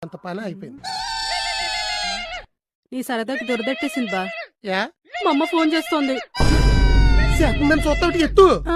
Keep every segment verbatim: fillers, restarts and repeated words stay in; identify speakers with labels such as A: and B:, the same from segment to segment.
A: అంత పని అయిపోయింది.
B: నీ సరదాకి దొరదట్టేసింది బా.
A: యా
B: మా అమ్మ ఫోన్ చేస్తోంది.
A: మేము చూస్తా ఎత్తు.
B: ఆ.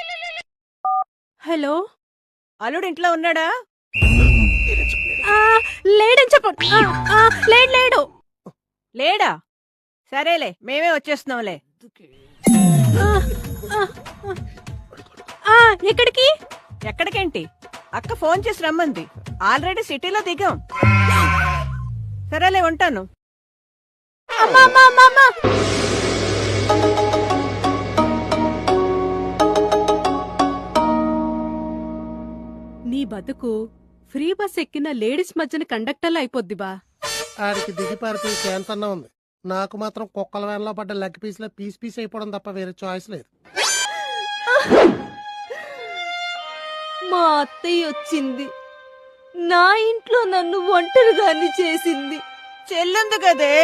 B: హలో,
C: అల్లుడు ఇంట్లో ఉన్నాడా?
B: ఆ, లేడని చెప్పండి. ఆ, ఆ, లేడు లేడు
C: లేడా? సరేలే, మేమే వచ్చేస్తున్నాంలే.
B: ఆ, ఆ, ఆ, ఎక్కడికి?
C: ఎక్కడికేంటి, అక్క ఫోన్ చేసి రమ్మంది. ఆల్రెడీ సిటీలో దిగాం. సరేలే, ఉంటాను.
B: అమ్మా అమ్మా అమ్మా అమ్మా. నీ బతుకు ఫ్రీ బస్ ఎక్కిన లేడీస్ మధ్యన కండక్టర్లు అయిపోద్ది బా.
A: ఆడికి దిగి పారిపోయి ఛాన్స్ అన్నా ఉంది. నాకు మాత్రం కుక్కల వ్యాన్లో పడ్డ లెగ్ పీస్ లో పీస్ పీస్ అయిపోవడం తప్ప వేరే చాయిస్ లేదు.
D: మా అత్తయ్య వచ్చింది, నా ఇంట్లో నన్ను ఒంటరిదాన్ని చేసింది.
C: చెల్లుంది కదే.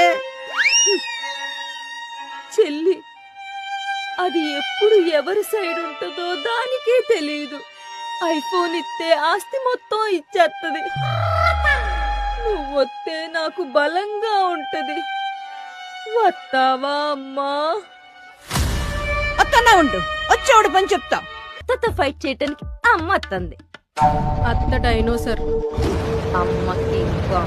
D: చెల్లి అది ఎప్పుడు ఎవరి సైడ్ ఉంటుందో దానికే తెలీదు. ఐఫోన్ ఇస్తే ఆస్తి మొత్తం ఇచ్చేత్తది. నువ్వొత్తే నాకు బలంగా ఉంటది. వస్తావా అమ్మా?
C: అత్తన్నా ఉండు, వచ్చేవాడు పని చెప్తా.
D: అత్తతో ఫైట్ చేయటానికి అమ్మ అత్తంది.
B: అత్త డైనోసర్,
D: అమ్మకి ఇంకా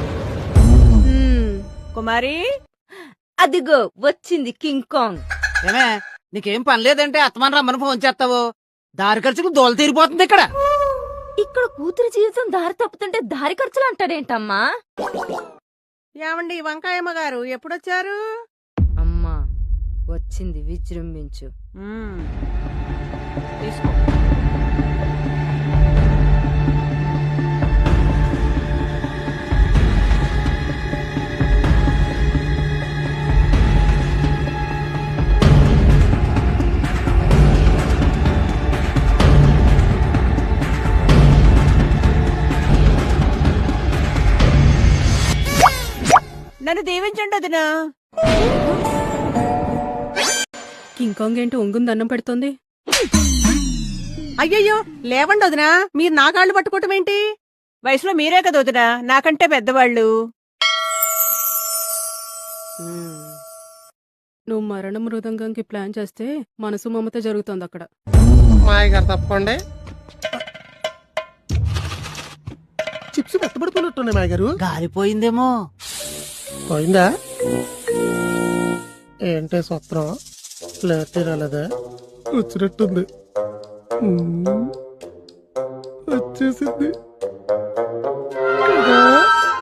C: కుమారి,
D: అదిగో వచ్చింది కింగ్ కాంగ్.
E: ఏమే, నీకేం పని లేదంటే అత్తమాన రమ్మని ఫోన్ చేస్తావు. దారి ఖర్చుకు దోల తీరిపోతుంది ఇక్కడ.
D: ఇక్కడ కూతురు జీవితం దారి తప్పుతుంటే దారి ఖర్చులు అంటాడేంటమ్మా?
C: ఏమండి వంకాయమ్మ గారు ఎప్పుడొచ్చారు?
D: అమ్మా వచ్చింది, విజృంభించు.
C: మ్మ్. తీసుకో. నన్ను దీవించండి వదినా.
B: కింగ్ కాంగ్ ఏంటి ఒంగుంది అన్నం పెడుతోంది?
C: అయ్యయ్యో, లేవండి వదినా, మీరు నా కాళ్ళు పట్టుకోవటం ఏంటి? వయసులో మీరే కదా వదినా, నాకంటే పెద్దవాళ్ళు.
B: నువ్వు మరణ మృదంగంకి ప్లాన్ చేస్తే మనసు మమత జరుగుతోంది అక్కడ.
A: మాయ గారు తప్పకోండి. చిప్స్ మెత్తబడిపోయినట్టున్నాయి మాయ గారు.
E: గాలిపోయిందేమో.
A: పోయిందా ఏంటే సూత్రం? ప్లేట్ రాలేదా? వచ్చినట్టుంది. వచ్చేసింది.